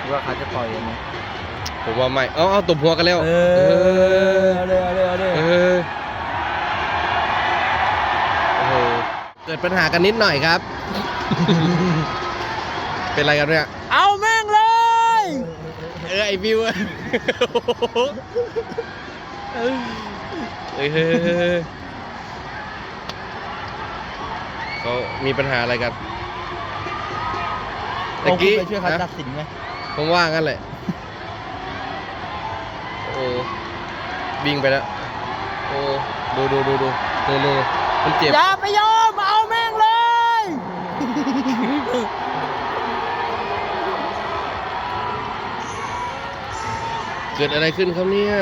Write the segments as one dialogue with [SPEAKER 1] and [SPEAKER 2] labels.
[SPEAKER 1] ว่าเขาจะต่อยกันไหม
[SPEAKER 2] ผมว่าไม่เอาตบหัวกันแล้ว
[SPEAKER 1] เอาเลย
[SPEAKER 2] โอ้โหเกิดปัญหากันนิดหน่อยครับ เป็นไรกันเนี่ย
[SPEAKER 1] เอาแม่งเลย
[SPEAKER 2] ไอวิวเขามีปัญหาอะไรกันตะกี้
[SPEAKER 1] ไปช่วยเขาตัดสินไหม
[SPEAKER 2] ผมว่างั้นแหละโอ้วิ่งไปแล้วโอ้ดูมันเจ็บ
[SPEAKER 1] อย่าไปยอมเอาแม่งเลย
[SPEAKER 2] เกิดอะไรขึ้นครับเนี่ย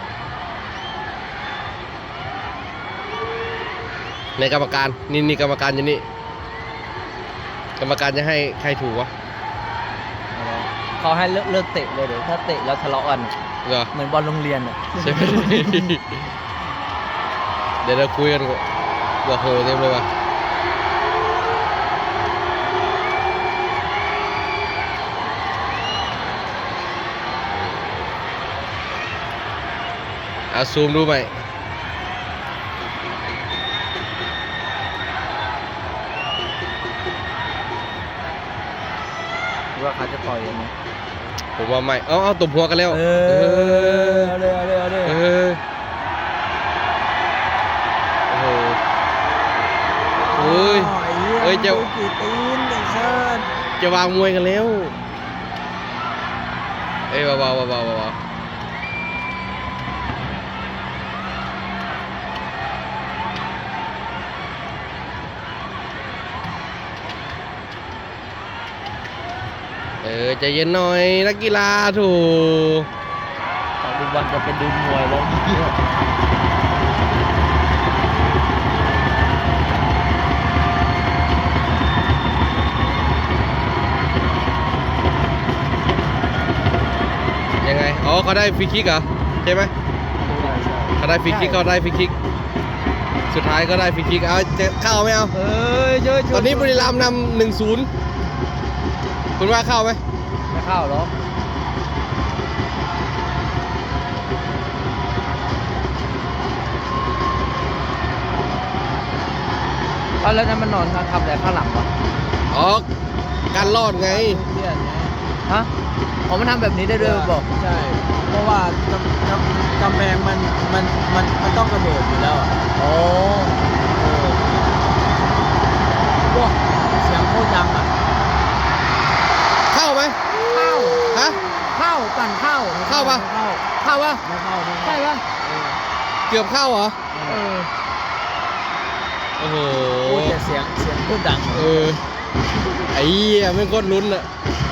[SPEAKER 2] ในกรรมการนี่กรรมการอยู่นี่กรรมการจะให้ใครถูกวะ
[SPEAKER 1] เขาให้เลิกเตะเลยเดี๋ยวถ้าเตะแล้วทะเลาะกัน
[SPEAKER 2] เหรอ
[SPEAKER 1] เหมือนบอลโรงเรียนอ่ะ
[SPEAKER 2] ใช่ไหม เดี๋ยวเราคุยกันว่าโหเต็มเลยว่ะเอาซูมดูไหม
[SPEAKER 1] ว่าเขาจะต่อยกันไหม
[SPEAKER 2] ผมว่าไม่เอาตบหัวกันแล้ว
[SPEAKER 1] เอาเลย
[SPEAKER 2] โอ้โหเฮ้ยจะ
[SPEAKER 1] กี่ตีนไอ้ชาติ
[SPEAKER 2] จะวางมวยกันแล้วเบาใจเย็นหน่อยนักกีฬาถูก
[SPEAKER 1] แต่ดูวันจะเป็นดูมวยแล้ว
[SPEAKER 2] ยังไงเขาได้ฟรีคิกเหรอใช่ไหมเขาได้ฟรีคิกสุดท้ายก็ได้ฟรีคิกเอาจะเข้าไหมเอาตอนนี้บุรีรัมย์นำ 1-0คุณว่าเข้าไหม
[SPEAKER 1] ไม่เข้าหรอกแล้วนั้นมันนอนทำอะไรข้างหลังวะ
[SPEAKER 2] การรอดไง
[SPEAKER 1] ฮะมันทำแบบนี้ได้ด้วยบอก
[SPEAKER 3] ใช่เพราะว่ากำแพงมันต้องกระโดดอยู่แล้วว้าเสียงโคตรดัง
[SPEAKER 2] เข้าไหม
[SPEAKER 1] ฮะเข้าปั่น
[SPEAKER 2] เข้าปะ
[SPEAKER 1] เข้าปะ
[SPEAKER 3] ไม่เข้า
[SPEAKER 1] ใช่ปะ
[SPEAKER 2] เกือบเข้าเหรอโอ้โห
[SPEAKER 3] แต่เสียงโคตรดัง
[SPEAKER 2] ไอ้เหี้ยไม่โคตรลุ้นอ่ะ